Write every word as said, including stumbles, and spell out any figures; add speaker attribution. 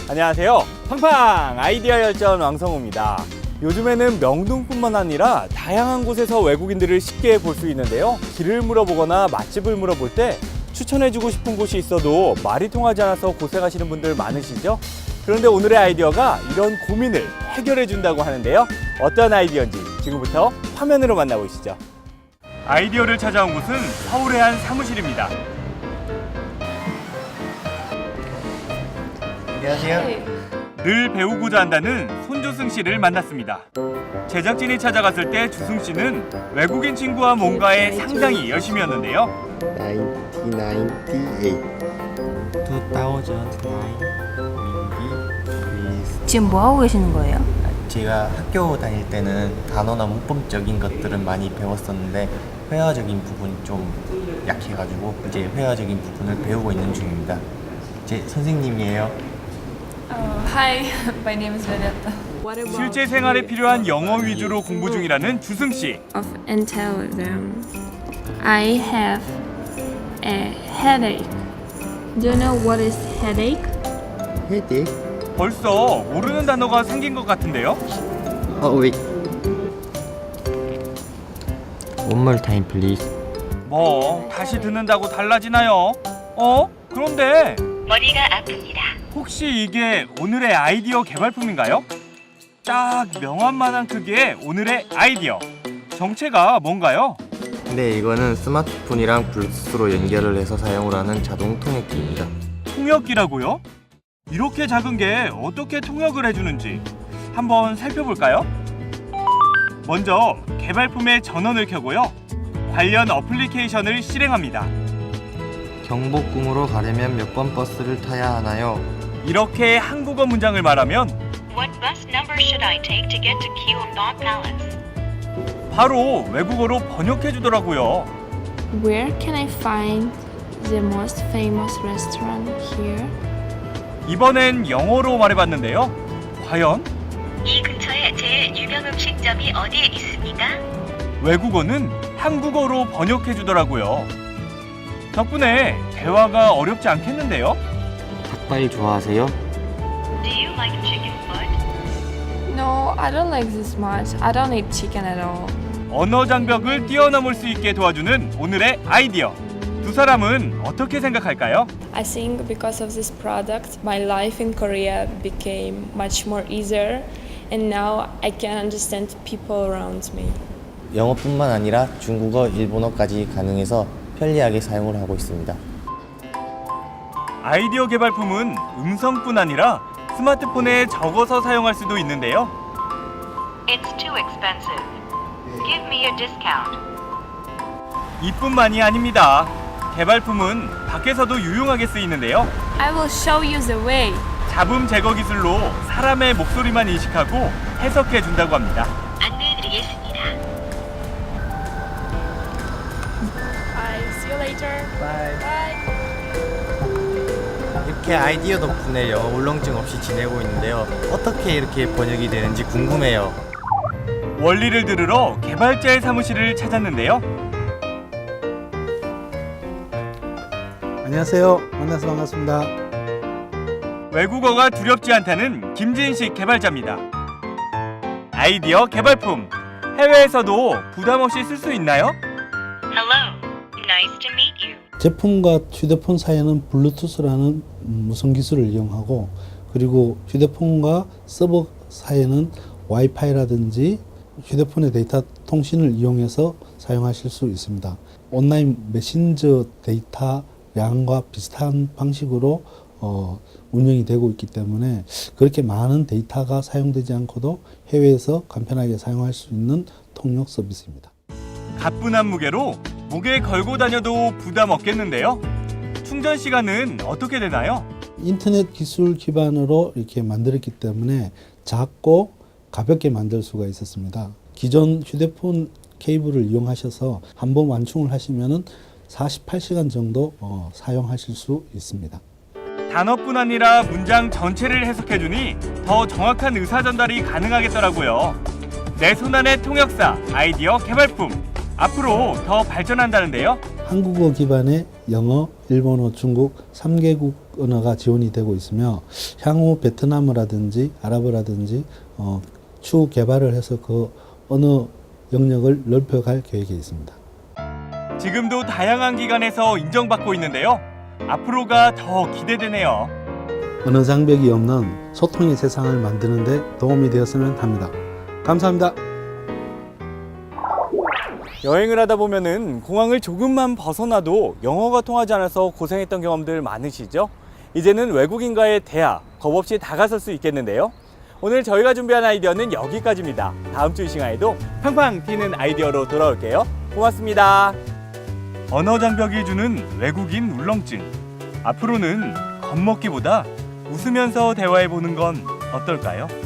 Speaker 1: 안녕하세요. 팡팡 아이디어 열전 왕성우입니다. 요즘에는 명동뿐만 아니라 다양한 곳에서 외국인들을 쉽게 볼 수 있는데요. 길을 물어보거나 맛집을 물어볼 때 추천해주고 싶은 곳이 있어도 말이 통하지 않아서 고생하시는 분들 많으시죠? 그런데 오늘의 아이디어가 이런 고민을 해결해 준다고 하는데요. 어떤 아이디어인지 지금부터 화면으로 만나보시죠. 아이디어를 찾아온 곳은 서울의 한 사무실입니다.
Speaker 2: 안녕하세요.
Speaker 1: 늘 배우고자 한다는 손주승 씨를 만났습니다. 제작진이 찾아갔을 때 주승 씨는 외국인 친구와 뭔가에 상당히 열심이었는데요.
Speaker 2: 천구백구십팔
Speaker 3: 지금 뭐 하고 계시는 거예요?
Speaker 2: 제가 학교 다닐 때는 단어나 문법적인 것들은 많이 배웠었는데 회화적인 부분이 좀 약해가지고 이제 회화적인 부분을 배우고 있는 중입니다. 제 선생님이에요.
Speaker 4: Uh, hi, my name is Violetta.
Speaker 1: 실제 생활에 필요한 영어 위주로 공부 중이라는 주승 씨.
Speaker 5: Of and tell them I have a headache. Do you know what is headache?
Speaker 2: 헤딩?
Speaker 1: 벌써 모르는 단어가 생긴 것 같은데요?
Speaker 2: 어, wait. One more time, please.
Speaker 1: 뭐 다시 듣는다고 달라지나요? 어? 그런데
Speaker 6: 머리가 아픕니다.
Speaker 1: 혹시 이게 오늘의 아이디어 개발품인가요? 딱 명함만한 크기의 오늘의 아이디어. 정체가 뭔가요?
Speaker 2: 네, 이거는 스마트폰이랑 블루투스로 연결을 해서 사용을 하는 자동 통역기입니다.
Speaker 1: 통역기라고요? 이렇게 작은 게 어떻게 통역을 해주는지 한번 살펴볼까요? 먼저 개발품의 전원을 켜고요. 관련 어플리케이션을 실행합니다.
Speaker 2: 경복궁으로 가려면 몇 번 버스를 타야 하나요?
Speaker 1: 이렇게 한국어 문장을 말하면
Speaker 6: What bus number should I take to get to Gyeongdong Palace?
Speaker 1: 바로 외국어로 번역해 주더라고요.
Speaker 5: Where can I find the most famous restaurant here?
Speaker 1: 이번엔 영어로 말해봤는데요. 과연
Speaker 6: 이 근처에 제일 유명 음식점이 어디에 있습니까?
Speaker 1: 외국어는 한국어로 번역해 주더라고요. 덕분에 대화가 어렵지 않겠는데요?
Speaker 2: 닭발 좋아하세요?
Speaker 6: Do you like chicken foot?
Speaker 4: No, I don't like this much. I don't eat chicken at all.
Speaker 1: 언어 장벽을 뛰어넘을 수 있게 도와주는 오늘의 아이디어. 두 사람은 어떻게 생각할까요?
Speaker 4: I think because of this product, my life in Korea became much more easier, and now I can understand people around me.
Speaker 2: 영어뿐만 아니라 중국어, 일본어까지 가능해서 편리하게 사용을 하고 있습니다.
Speaker 1: 아이디어 개발품은 음성뿐 아니라 스마트폰에 적어서 사용할 수도 있는데요.
Speaker 6: It's too expensive. Give me a discount.
Speaker 1: 이뿐만이 아닙니다. 개발품은 밖에서도 유용하게 쓰이는데요.
Speaker 4: I will show you the way.
Speaker 1: 잡음 제거 기술로 사람의 목소리만 인식하고 해석해 준다고 합니다.
Speaker 6: 안내해드리겠습니다.
Speaker 4: Bye. See you later.
Speaker 2: Bye.
Speaker 4: Bye.
Speaker 2: 이렇게 아이디어 덕분에 영어 울렁증 없이 지내고 있는데요. 어떻게 이렇게 번역이 되는지 궁금해요.
Speaker 1: 원리를 들으러 개발자의 사무실을 찾았는데요.
Speaker 7: 안녕하세요. 만나서 반갑습니다.
Speaker 1: 외국어가 두렵지 않다는 김진식 개발자입니다. 아이디어 개발품, 해외에서도 부담 없이 쓸 수 있나요?
Speaker 6: Hello. Nice to meet you.
Speaker 7: 제품과 휴대폰 사이에는 블루투스라는 무선 기술을 이용하고, 그리고 휴대폰과 서버 사이에는 와이파이라든지 휴대폰의 데이터 통신을 이용해서 사용하실 수 있습니다. 온라인 메신저 데이터량과 비슷한 방식으로 어, 운영이 되고 있기 때문에 그렇게 많은 데이터가 사용되지 않고도 해외에서 간편하게 사용할 수 있는 통역 서비스입니다.
Speaker 1: 가뿐한 무게로 목에 걸고 다녀도 부담 없겠는데요. 충전 시간은 어떻게 되나요?
Speaker 7: 인터넷 기술 기반으로 이렇게 만들었기 때문에 작고 가볍게 만들 수가 있었습니다. 기존 휴대폰 케이블을 이용하셔서 한번 완충을 하시면은 사십팔 시간 정도 어, 사용하실 수 있습니다.
Speaker 1: 단어뿐 아니라 문장 전체를 해석해주니 더 정확한 의사 전달이 가능하겠더라고요. 내 손안의 통역사 아이디어 개발품. 앞으로 더 발전한다는데요.
Speaker 7: 한국어 기반의 영어, 일본어, 중국 삼 개국 언어가 지원이 되고 있으며 향후 베트남어라든지 아랍어라든지 어, 추후 개발을 해서 그 언어 영역을 넓혀갈 계획이 있습니다.
Speaker 1: 지금도 다양한 기관에서 인정받고 있는데요. 앞으로가 더 기대되네요.
Speaker 7: 언어 장벽이 없는 소통의 세상을 만드는 데 도움이 되었으면 합니다. 감사합니다.
Speaker 1: 여행을 하다 보면은 공항을 조금만 벗어나도 영어가 통하지 않아서 고생했던 경험들 많으시죠? 이제는 외국인과의 대화 겁 없이 다가설 수 있겠는데요. 오늘 저희가 준비한 아이디어는 여기까지입니다. 다음 주 이 시간에도 팡팡 튀는 아이디어로 돌아올게요. 고맙습니다. 언어 장벽이 주는 외국인 울렁증. 앞으로는 겁먹기보다 웃으면서 대화해보는 건 어떨까요?